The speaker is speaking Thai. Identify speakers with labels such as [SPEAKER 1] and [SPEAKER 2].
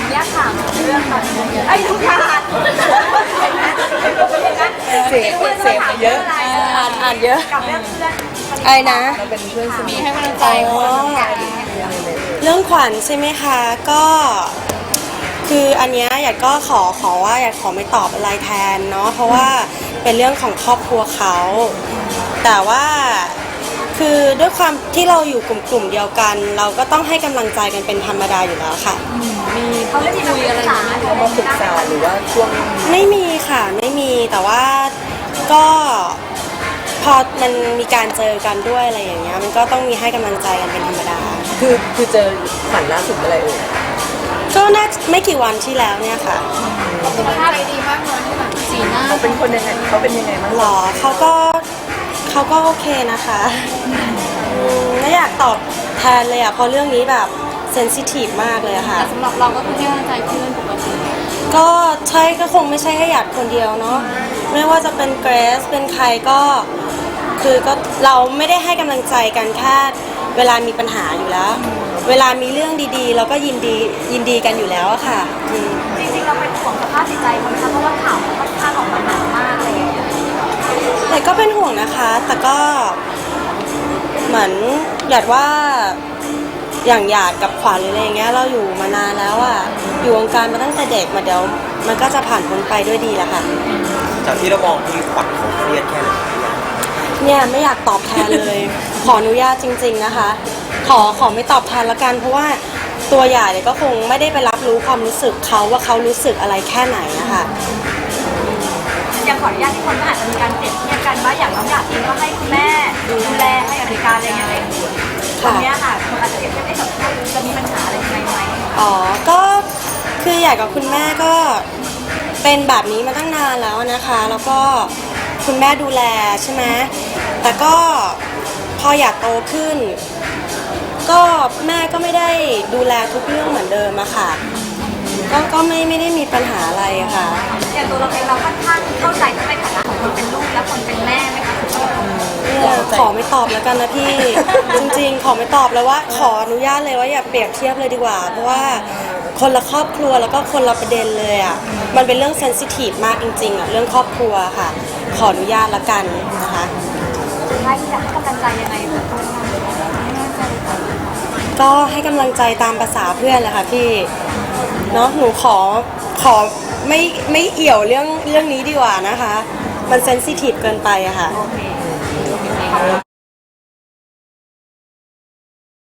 [SPEAKER 1] ญาตถามเรื่องตอนนี้ไอ้ทุกทาน
[SPEAKER 2] เสพเยอะอ่านเยอะ
[SPEAKER 1] กับเรื่องเพื่อน
[SPEAKER 2] ไอ้นะ
[SPEAKER 3] เราเป็นเพื่อนสนิท
[SPEAKER 1] ให้กำลังใจ
[SPEAKER 2] เรื่องขวัญใช่ไหมคะก็คืออันเนี้ยอยากก็ขอว่าอยากขอไม่ตอบอะไรแทนเนาะเพราะว่าเป็นเรื่องของครอบครัวเขาแต่ว่าคือด้วยความที่เราอยู่กลุ่มเดียวกัน เราก็ต้องให้กำลังใจกันเป็นธรรมดาอยู่แล้วค่ะ
[SPEAKER 1] เขาไม่มีคุยอะไร
[SPEAKER 3] เขามาปรึกษาหรือว่าช่วง
[SPEAKER 2] ไม่มีค่ะไม่มีแต่ว่าก็พอมันมีการเจอกันด้วยอะไรอย่างเงี้ยมันก็ต้องมีให้กำลังใจกันเป็นธรรมดา
[SPEAKER 3] คือเจอขวัญล่าสุดเมื่อไหร่เอ่ย
[SPEAKER 2] ก็น่าไม่กี่วันที่แล้วเนี่ยค่ะ
[SPEAKER 1] สุขภาพดีมากเลยที่แบบสีหน้า
[SPEAKER 3] เขาเป็นคนยังไงเขาเป็นยังไงบ้าง
[SPEAKER 2] หรอเขาก็โอเคนะคะไม่อยากตอบแทนเลยอะเพราะเรื่องนี้แบบเซนซิทีฟมากเลยอะค่ะ
[SPEAKER 1] แต่สำหรับเราก็คือให้กำลังใจเพื่อนปกติ
[SPEAKER 2] ก็ใช่ก็คงไม่ใช่แค่หยาดคนเดียวเนาะไม่ว่าจะเป็นเกรซเป็นใครก็คือก็เราไม่ได้ให้กำลังใจกันแค่เวลามีปัญหาอยู่แล้ว เวลามีเรื่องดีๆเราก็ยินดีกันอยู่แล้วอะค่ะ
[SPEAKER 1] จริงๆเราเป็นห่วงสภาพจิตใจคนเพราะว่าข่าวมันค่อนข้างออกมาหนักมากอะไรอย่างเงี้ย
[SPEAKER 2] แต่ก็เป็นห่วงนะคะแต่ก็เหมือนหยาดว่าอย่างหยาดกับขวัญหรืออะไรอย่างเงี้ยเราอยู่มานานแล้วอะอยู่วงการมาตั้งแต่เด็กมาเดี๋ยวมันก็จะผ่านพ้นไปด้วยดีแหละค่ะ
[SPEAKER 4] จากที่เรามองที่ขวัญเขาเครียดแค่ไหน
[SPEAKER 2] เนี่ยไม่อยากตอบแทนเลย ขออนุญาตจริงๆนะคะขอไม่ตอบแทนละกันเพราะว่าตัวหยาดเนี่ยก็คงไม่ได้ไปรับรู้ความรู้สึกเขาว่าเขารู้สึกอะไรแค่ไหนนะคะ
[SPEAKER 1] อย่างขออนุญาตที่คนก็อาจจะมีการเปรียบเทียบกันว่าอย่างน้องหยาดเองก็ให้คุณแม่ดูแลให้อเมริกาอะไรอย่างเงี้ยตรงเนี้ยค่ะคนอาจจะเปรียบเทียบได้กับจะมีปัญหาอะไรยังไงไหม
[SPEAKER 2] อ๋อก็คือหยาดกับคุณแม่ก็เป็นแบบนี้มาตั้งนานแล้วนะคะ แล้วก็คุณแม่ดูแลใช่ไหมแต่ก็พอหยาดโตขึ้น ก็แม่ก็ไม่ได้ดูแลทุกเรื่องเหมือนเดิมอะค่ะก็ไม่ได้มีปัญหาอะไรอะค่ะ
[SPEAKER 1] อย่างตัวเราเองเราค่อนข้างเข้าใจทั้งในฐานะของคนเป็นลูกและคนเป็นแม่ไหมคะ
[SPEAKER 2] เนี่ยขอไม่ตอบแล้วกันนะพี่ จริงๆ ขอไม่ตอบแล้วว่าขออนุญาตเลยว่าอย่าเปรียบเทียบเลยดีกว่า เพราะว่าคนละครอบครัวแล้วก็คนละประเด็นเลยอ่ะมันเป็นเรื่องเซนซิทีฟมากจริงๆอ่ะเรื่องครอบครัวค่ะ ขออนุญาตละกันนะคะ
[SPEAKER 1] ใช่อยากให้กำลังใจยังไงแบบคนทำ
[SPEAKER 2] ก็ให้กำลังใจตามภาษาเพื่อนแหละค่ะพี่เนาะหนูขอไม่เอี่ยวเรื่องนี้ดีกว่านะคะ มันเซนซิทีฟเกินไปอะค่ะ
[SPEAKER 1] โอเค